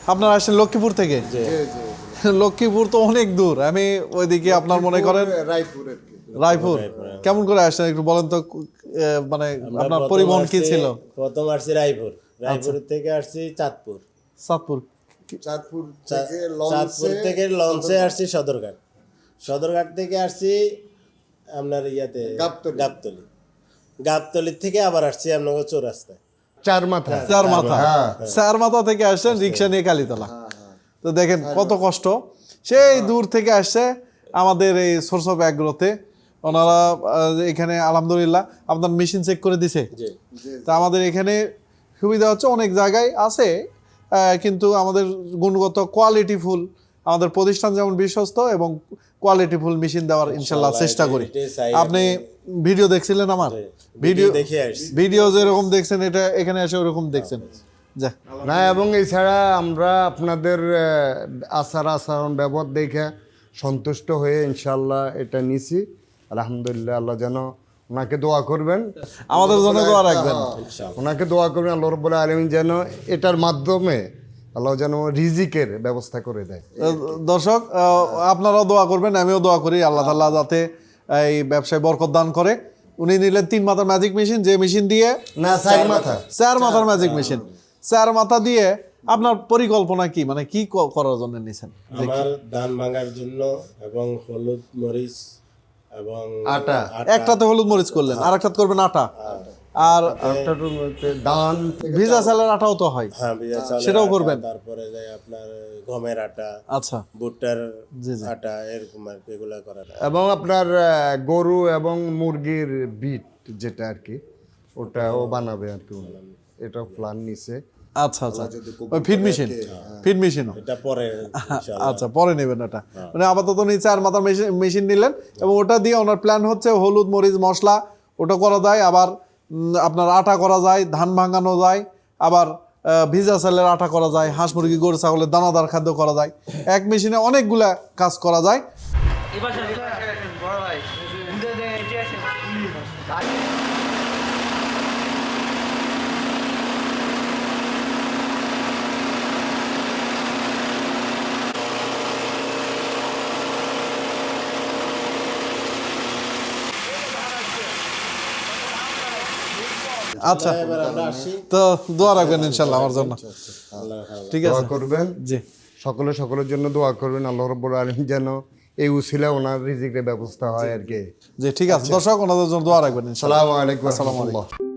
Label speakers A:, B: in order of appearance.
A: আপনারা আসেন লক্ষ্মীপুর থেকে? লক্ষ্মীপুর তো অনেক দূর, আমি ওইদিকে আপনার মনে করেন রায়পুর। কেমন করে আসছেন একটু বলেন তো, মানে আপনার পরিবহন কি ছিল?
B: প্রথম আসছি রায়পুর, রায়পুর থেকে আসছি চাঁদপুর,
A: চাঁদপুর
B: চাঁদপুর থেকে লঞ্চে আসছি সদরঘাট, সদরঘাট থেকে আসছি আপনার ইয়াতে গাবতলী, গাবতলি থেকে আবার আসছি আপনার চৌরাস্তায়
A: চার মাথা থেকে আসছেন রিক্সা নিয়ে কালীতলা। তো দেখেন কত কষ্ট, সেই দূর থেকে আসছে আমাদের এই সোর্স অফ অ্যাগ্রোতে। ওনারা এখানে আলহামদুলিল্লাহ আপনার মেশিন চেক করে দিছে। তা আমাদের এখানে সুবিধা হচ্ছে অনেক জায়গায় আছে, কিন্তু আমাদের গুণগত কোয়ালিটিফুল, আমাদের প্রতিষ্ঠান যেমন বিশ্বস্ত এবং কোয়ালিটিফুল মেশিন দেওয়ার ইনশাল্লাহ চেষ্টা করি। আপনি ভিডিও দেখছিলেন আমার, ভিডিও যেরকম দেখছেন এটা এখানে এসে ওরকম দেখছেন
C: না। এবং এছাড়া আমরা আপনাদের আচার আচরণ ব্যবহার দেখে সন্তুষ্ট হয়ে ইনশাল্লাহ এটা নিছি। আলহামদুলিল্লাহ, আল্লাহ যেন ওনাকে দোয়া করবেন,
A: আমাদের জন্য দোয়া রাখবেন,
C: ওনাকে দোয়া করবেন আল্লাহ রাব্বুল আলামিন যেন এটার মাধ্যমে আল্লাহ যেন রিজিকের ব্যবস্থা করে দেয়।
A: দর্শক আপনারাও দোয়া করবেন, আমিও দোয়া করি আল্লাহ তাআলা যাতে এই ব্যবসায় বরকত দান করে। উনি নিলেন 3 মাথার ম্যাজিক মেশিন, যে মেশিন দিয়ে
C: না 4
A: মাথার ম্যাজিক মেশিন, 4 মাথা দিয়ে আপনার পরিকল্পনা কি, মানে কি করার জন্য নিছেন?
B: আমার ধান ভাঙার জন্য এবং হলুদ মরিচ এবং
C: আটা,
A: একটাতে হলুদ মরিচ করলেন, আর একটাতে করবেন আটা, আর
C: ধান
A: ভিজা চালের আটাও তো হয়,
B: হ্যাঁ ভিজা চালের
A: সেটাও করবেন।
B: তারপরে আপনার গমের আটা,
A: আচ্ছা
B: ভুট্টার আটা, এরকম আর কি এগুলা করা।
C: এবং আপনার গরু এবং মুরগির বিট যেটা আর কি ওটাও বানাবে আর কি, এটা প্ল্যান নিছে।
A: আচ্ছা আচ্ছা, ফিড মেশিন
B: এটা পরে
A: আচ্ছা পরে নেবেন ওটা, মানে আপাতত নিয়ে 4 মাথার মেশিন নিলেন এবং ওটা দিয়ে ওনার প্ল্যান হচ্ছে হলুদ মরিচ মশলা ওটা করা যায়, আবার আপনার আটা করা যায়, ধান ভাঙানো যায়, আবার ভিজা চালের আটা করা যায়, হাঁস মুরগি গরু ছাগলের দানাদার খাদ্য করা যায়। এক মেশিনে অনেকগুলা কাজ করা যায়। আচ্ছা, তো দোয়া রাখবেন ইনশাল্লাহ আমার জন্য, ঠিক আছে?
C: দোয়া করবেন,
A: জি
C: সকলের জন্য দোয়া করবেন আল্লাহ রাব্বুল আলামিন যেন এই উসিলা ওনার রিজিকের ব্যবস্থা হয় আর কি।
A: জি ঠিক আছে দর্শক, ওনাদের জন্য দোয়া রাখবেন ইনশাল্লাহ।
C: আসসালামু আলাইকুম ওয়া রাহমাতুল্লাহ।